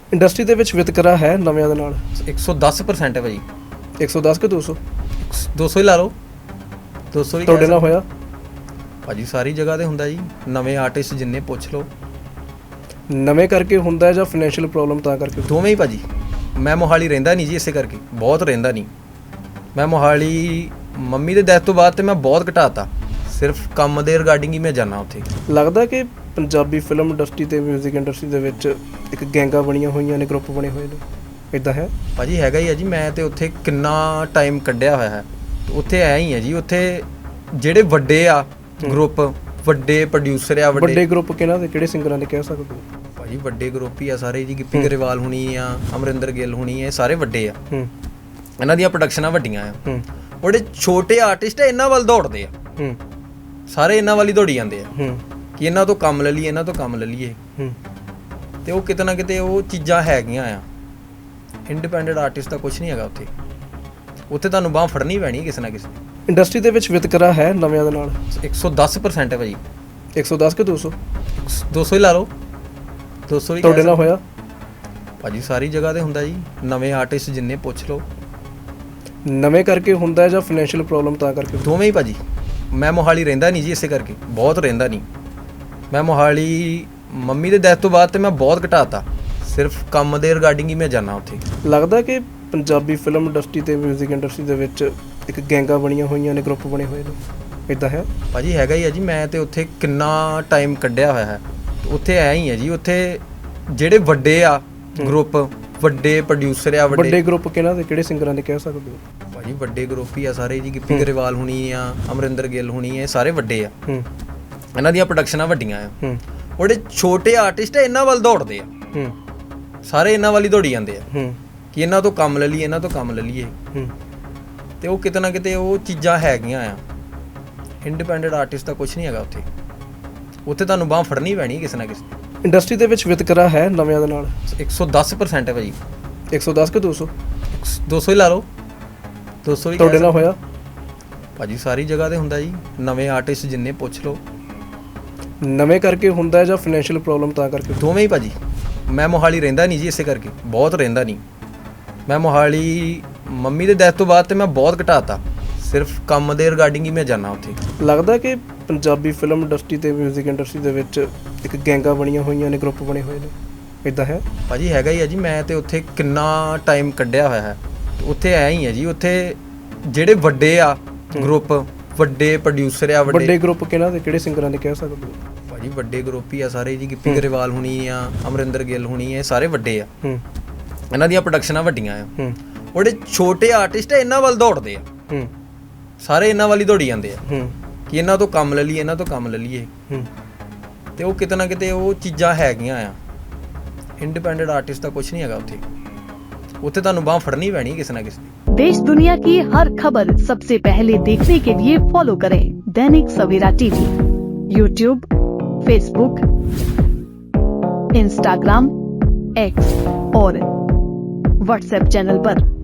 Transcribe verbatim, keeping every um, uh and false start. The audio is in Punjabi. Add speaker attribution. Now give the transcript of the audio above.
Speaker 1: ਇੰਡਸਟਰੀ ਦੇ ਵਿੱਚ ਵਿਤਕਰਾ ਹੈ ਨਵਿਆਂ ਦੇ ਨਾਲ
Speaker 2: ਇੱਕ ਸੌ ਦਸ ਪਰਸੈਂਟ ਹੈ ਭਾਜੀ।
Speaker 1: ਇੱਕ ਸੌ ਦਸ ਕਿ ਦੋ ਸੌ
Speaker 2: ਦੋ ਸੌ ਹੀ ਲਾ ਲਓ। ਦੋ ਸੌ ਹੀ
Speaker 1: ਤੁਹਾਡੇ
Speaker 2: ਕਹਿ
Speaker 1: ਨਾਲ ਹੋਇਆ
Speaker 2: ਭਾਜੀ, ਸਾਰੀ ਜਗ੍ਹਾ ਤੇ ਹੁੰਦਾ ਜੀ। ਨਵੇਂ ਆਰਟਿਸਟ ਜਿੰਨੇ ਪੁੱਛ ਲਓ,
Speaker 1: ਨਵੇਂ ਕਰਕੇ ਹੁੰਦਾ ਜਾਂ ਫਾਈਨੈਂਸ਼ੀਅਲ ਪ੍ਰੋਬਲਮ ਤਾਂ ਕਰਕੇ?
Speaker 2: ਦੋਵੇਂ ਹੀ ਭਾਜੀ। ਮੈਂ ਮੋਹਾਲੀ ਰਹਿੰਦਾ ਨਹੀਂ ਜੀ, ਇਸੇ ਕਰਕੇ ਬਹੁਤ ਰਹਿੰਦਾ ਨਹੀਂ ਮੈਂ ਮੋਹਾਲੀ। ਮੰਮੀ ਦੇ ਡੈਥ ਤੋਂ ਬਾਅਦ ਤੇ ਮੈਂ ਬਹੁਤ ਘਟਾਤਾ, ਸਿਰਫ ਕੰਮ ਦੇ ਰਿਗਾਰਡਿੰਗ ਹੀ ਮੈਂ ਜਾਂਦਾ ਉੱਥੇ।
Speaker 1: ਲੱਗਦਾ ਕਿ ਪੰਜਾਬੀ ਫਿਲਮ ਇੰਡਸਟਰੀ ਤੇ ਮਿਊਜ਼ਿਕ ਇੰਡਸਟਰੀ ਦੇ ਵਿੱਚ ਇੱਕ ਗੈਂਗਾਂ ਬਣੀਆਂ ਹੋਈਆਂ ਨੇ, ਗਰੁੱਪ ਬਣੇ ਹੋਏ ਨੇ, ਇੱਦਾਂ ਹੈ
Speaker 2: ਭਾਜੀ? ਹੈਗਾ ਹੀ ਹੈ ਜੀ। ਮੈਂ ਤੇ ਉੱਥੇ ਕਿੰਨਾ ਟਾਈਮ ਕੱਢਿਆ ਹੋਇਆ ਹੈ, ਉੱਥੇ ਐ ਹੀ ਹੈ ਜੀ। ਉੱਥੇ ਜਿਹੜੇ ਵੱਡੇ ਆ ਗਰੁੱਪ, ਵੱਡੇ ਪ੍ਰੋਡਿਊਸਰ ਆ,
Speaker 1: ਵੱਡੇ ਗਰੁੱਪ ਕਿਹਨਾਂ ਦੇ, ਕਿਹੜੇ ਸਿੰਗਰਾਂ ਦੇ ਕਹਿ ਸਕਦੇ ਹੋ?
Speaker 2: ਭਾਜੀ ਵੱਡੇ ਗਰੁੱਪ ਹੀ ਆ ਸਾਰੇ ਜੀ। ਗਿੱਪੀ ਗਰੇਵਾਲ ਹੁਣੀ ਆ, ਅਮਰਿੰਦਰ ਗਿੱਲ ਹੁਣੀ ਆ, ਇਹ ਸਾਰੇ ਵੱਡੇ ਆ। ਇਹਨਾਂ ਦੀਆਂ ਪ੍ਰੋਡਕਸ਼ਨਾਂ ਵੱਡੀਆਂ ਆ। ਉਹਦੇ ਛੋਟੇ ਆਰਟਿਸਟ ਆ, ਇਹਨਾਂ ਵੱਲ ਦੌੜਦੇ ਆ ਸਾਰੇ, ਇਹਨਾਂ ਵੱਲ ਹੀ ਦੌੜੀ ਜਾਂਦੇ ਆ ਕਿ ਇਹਨਾਂ ਤੋਂ ਕੰਮ ਲੈ ਲਈਏ, ਇਹਨਾਂ ਤੋਂ ਕੰਮ ਲੈ ਲਈਏ। ਤੇ ਉਹ ਕਿਤੇ ਨਾ ਕਿਤੇ ਉਹ ਚੀਜ਼ਾਂ ਹੈਗੀਆਂ ਆ। ਇੰਡੀਪੈਂਡੈਂਟ ਆਰਟਿਸਟ ਦਾ ਕੁਝ ਨਹੀਂ ਹੈਗਾ ਉੱਥੇ। ਉੱਥੇ ਤੁਹਾਨੂੰ ਬਾਂਹ ਫੜਨੀ ਪੈਣੀ ਕਿਸੇ ਨਾ ਕਿਸੇ।
Speaker 1: ਇੰਡਸਟਰੀ ਦੇ ਵਿੱਚ ਵਿਤਕਰਾ ਹੈ ਨਵਿਆਂ ਦੇ ਨਾਲ
Speaker 2: ਇੱਕ ਸੌ ਦਸ ਪਰਸੈਂਟ ਹੈ ਭਾਜੀ।
Speaker 1: ਇੱਕ ਸੌ ਦਸ ਕਿ ਦੋ ਸੌ
Speaker 2: ਦੋ ਸੌ ਹੀ ਲਾ ਲਓ। ਦੋ ਸੌ ਹੀ
Speaker 1: ਤੁਹਾਡੇ ਨਾਲ ਹੋਇਆ
Speaker 2: ਭਾਜੀ? ਸਾਰੀ ਜਗ੍ਹਾ ਤੇ ਹੁੰਦਾ ਜੀ। ਨਵੇਂ ਆਰਟਿਸਟ ਜਿੰਨੇ ਪੁੱਛ ਲਓ,
Speaker 1: ਨਵੇਂ ਕਰਕੇ ਹੁੰਦਾ ਜਾਂ ਫਾਈਨੈਂਸ਼ੀਅਲ ਪ੍ਰੋਬਲਮ ਤਾਂ ਕਰਕੇ?
Speaker 2: ਦੋਵੇਂ ਹੀ ਭਾਜੀ। ਮੈਂ ਮੋਹਾਲੀ ਰਹਿੰਦਾ ਨਹੀਂ ਜੀ, ਇਸੇ ਕਰਕੇ ਬਹੁਤ ਰਹਿੰਦਾ ਨਹੀਂ ਮੈਂ ਮੋਹਾਲੀ। ਮੰਮੀ ਦੇ ਡੈਥ ਤੋਂ ਬਾਅਦ ਤੇ ਮੈਂ ਬਹੁਤ ਘਟਾਤਾ, ਸਿਰਫ ਕੰਮ ਦੇ ਰਿਗਾਰਡਿੰਗ ਹੀ ਮੈਂ ਜਾਂਦਾ ਉੱਥੇ।
Speaker 1: ਲੱਗਦਾ ਕਿ ਪੰਜਾਬੀ ਫਿਲਮ ਇੰਡਸਟਰੀ ਤੇ ਮਿਊਜ਼ਿਕ ਇੰਡਸਟਰੀ ਦੇ ਵਿੱਚ ਇੱਕ ਗੈਂਗਾਂ ਬਣੀਆਂ ਹੋਈਆਂ ਨੇ, ਗਰੁੱਪ ਬਣੇ ਹੋਏ ਨੇ, ਇੱਦਾਂ ਹੈ
Speaker 2: ਭਾਜੀ? ਹੈਗਾ ਹੀ ਹੈ ਜੀ। ਮੈਂ ਤੇ ਉੱਥੇ ਕਿੰਨਾ ਟਾਈਮ ਕੱਢਿਆ ਹੋਇਆ ਹੈ, ਉੱਥੇ ਐ ਹੀ ਹੈ ਜੀ। ਉੱਥੇ ਜਿਹੜੇ ਵੱਡੇ ਆ ਗਰੁੱਪ, ਵੱਡੇ ਪ੍ਰੋਡਿਊਸਰ ਆ,
Speaker 1: ਵੱਡੇ ਗਰੁੱਪ ਕਿਹਨਾਂ ਦੇ, ਕਿਹੜੇ ਸਿੰਗਰਾਂ ਦੇ ਕਹਿ ਸਕਦੇ ਹੋ?
Speaker 2: ਭਾਜੀ ਵੱਡੇ ਗਰੁੱਪ ਹੀ ਆ ਸਾਰੇ ਜੀ। ਗਿੱਪੀ ਗਰੇਵਾਲ ਹੁਣੀ ਆ, ਅਮਰਿੰਦਰ ਗਿੱਲ ਹੁਣੀ ਆ, ਇਹ ਸਾਰੇ ਵੱਡੇ ਆ। ਇਹਨਾਂ ਦੀਆਂ ਪ੍ਰੋਡਕਸ਼ਨਾਂ ਵੱਡੀਆਂ ਆ। ਉਹਦੇ ਛੋਟੇ ਆਰਟਿਸਟ ਆ, ਇਹਨਾਂ ਵੱਲ ਦੌੜਦੇ ਆ ਸਾਰੇ, ਇਹਨਾਂ ਵੱਲ ਹੀ ਦੌੜੀ ਜਾਂਦੇ ਆ ਕਿ ਇਹਨਾਂ ਤੋਂ ਕੰਮ ਲੈ ਲਈਏ, ਇਹਨਾਂ ਤੋਂ ਕੰਮ ਲੈ ਲਈਏ। ਤੇ ਉਹ ਕਿਤੇ ਨਾ ਕਿਤੇ ਉਹ ਚੀਜ਼ਾਂ ਹੈਗੀਆਂ ਆ। ਇੰਡੀਪੈਂਡੈਂਟ ਆਰਟਿਸਟ ਦਾ ਕੁਝ ਨਹੀਂ ਹੈਗਾ ਉੱਥੇ। ਉੱਥੇ ਤੁਹਾਨੂੰ ਬਾਂਹ ਫੜਨੀ ਪੈਣੀ ਕਿਸੇ ਨਾ ਕਿਸੇ।
Speaker 1: ਇੰਡਸਟਰੀ ਦੇ ਵਿੱਚ ਵਿਤਕਰਾ ਹੈ ਨਵਿਆਂ ਦੇ ਨਾਲ
Speaker 2: ਇੱਕ ਸੌ ਦਸ ਪਰਸੈਂਟ ਹੈ ਭਾਜੀ।
Speaker 1: ਇੱਕ ਸੌ ਦਸ ਕਿ ਦੋ ਸੌ
Speaker 2: ਦੋ ਸੌ ਹੀ ਲਾ ਲਓ। ਦੋ ਸੌ ਹੀ
Speaker 1: ਤੁਹਾਡੇ ਨਾਲ ਹੋਇਆ
Speaker 2: ਭਾਜੀ? ਸਾਰੀ ਜਗ੍ਹਾ ਤੇ ਹੁੰਦਾ ਜੀ। ਨਵੇਂ ਆਰਟਿਸਟ ਜਿੰਨੇ ਪੁੱਛ ਲਓ,
Speaker 1: ਨਵੇਂ ਕਰਕੇ ਹੁੰਦਾ ਜਾਂ ਫਾਈਨੈਂਸ਼ੀਅਲ ਪ੍ਰੋਬਲਮ ਤਾਂ ਕਰਕੇ?
Speaker 2: ਦੋਵੇਂ ਹੀ ਭਾਜੀ। ਮੈਂ ਮੋਹਾਲੀ ਰਹਿੰਦਾ ਨਹੀਂ ਜੀ, ਇਸੇ ਕਰਕੇ ਬਹੁਤ ਰਹਿੰਦਾ ਨਹੀਂ ਮੈਂ ਮੋਹਾਲੀ। ਮੰਮੀ ਦੇ ਡੈਥ ਤੋਂ ਬਾਅਦ ਤੇ ਮੈਂ ਬਹੁਤ ਘਟਾਤਾ, ਸਿਰਫ ਕੰਮ ਦੇ ਰਿਗਾਰਡਿੰਗ ਹੀ ਮੈਂ ਜਾਂਦਾ ਉੱਥੇ।
Speaker 1: ਲੱਗਦਾ ਕਿ ਪੰਜਾਬੀ ਫਿਲਮ ਇੰਡਸਟਰੀ ਤੇ ਮਿਊਜ਼ਿਕ ਇੰਡਸਟਰੀ ਦੇ ਵਿੱਚ ਇੱਕ ਗੈਂਗਾਂ ਬਣੀਆਂ ਹੋਈਆਂ ਨੇ, ਗਰੁੱਪ ਬਣੇ ਹੋਏ ਨੇ, ਇੱਦਾਂ ਹੈ
Speaker 2: ਭਾਜੀ? ਹੈਗਾ ਹੀ ਹੈ ਜੀ। ਮੈਂ ਤੇ ਉੱਥੇ ਕਿੰਨਾ ਟਾਈਮ ਕੱਢਿਆ ਹੋਇਆ ਹੈ, ਉੱਥੇ ਐ ਹੀ ਹੈ ਜੀ। ਉੱਥੇ ਜਿਹੜੇ ਵੱਡੇ ਆ ਗਰੁੱਪ, ਵੱਡੇ ਪ੍ਰੋਡਿਊਸਰ ਆ,
Speaker 1: ਵੱਡੇ ਗਰੁੱਪ ਕਿਹਨਾਂ ਦੇ, ਕਿਹੜੇ ਸਿੰਗਰਾਂ ਦੇ ਕਹਿ ਸਕਦੇ ਹੋ?
Speaker 2: ਭਾਜੀ ਵੱਡੇ ਗਰੁੱਪ ਹੀ ਆ ਸਾਰੇ ਜੀ। ਗਿੱਪੀ ਗਰੇਵਾਲ ਹੁਣੀ ਆ, ਅਮਰਿੰਦਰ ਗਿੱਲ ਹੁਣੀ ਆ, ਇਹ ਸਾਰੇ ਵੱਡੇ ਆ। ਇਹਨਾਂ ਦੀਆਂ ਪ੍ਰੋਡਕਸ਼ਨਾਂ ਵੱਡੀਆਂ ਆ। ਉਹਦੇ ਛੋਟੇ ਆਰਟਿਸਟ ਆ, ਇਹਨਾਂ ਵੱਲ ਦੌੜਦੇ ਆ ਸਾਰੇ, ਇਹਨਾਂ ਵੱਲ ਹੀ ਦੌੜੀ ਜਾਂਦੇ ਆ ਕਿ ਇਹਨਾਂ ਤੋਂ ਕੰਮ ਲੈ ਲਈਏ, ਇਹਨਾਂ ਤੋਂ ਕੰਮ ਲੈ ਲਈਏ। ਤੇ ਉਹ ਕਿਤੇ ਨਾ ਕਿਤੇ ਉਹ ਚੀਜ਼ਾਂ ਹੈਗੀਆਂ ਆ। ਇੰਡੀਪੈਂਡੈਂਟ ਆਰਟਿਸਟ ਦਾ ਕੁਝ ਨਹੀਂ ਹੈਗਾ ਉੱਥੇ। ਉੱਥੇ ਤੁਹਾਨੂੰ ਬਾਂਹ ਫੜਨੀ ਪੈਣੀ ਕਿਸੇ ਨਾ ਕਿਸੇ।
Speaker 3: देश दुनिया की हर खबर सबसे पहले देखने के लिए फॉलो करें Dainik Savera TV, YouTube, Facebook, Instagram, X और व्हाट्सएप चैनल पर।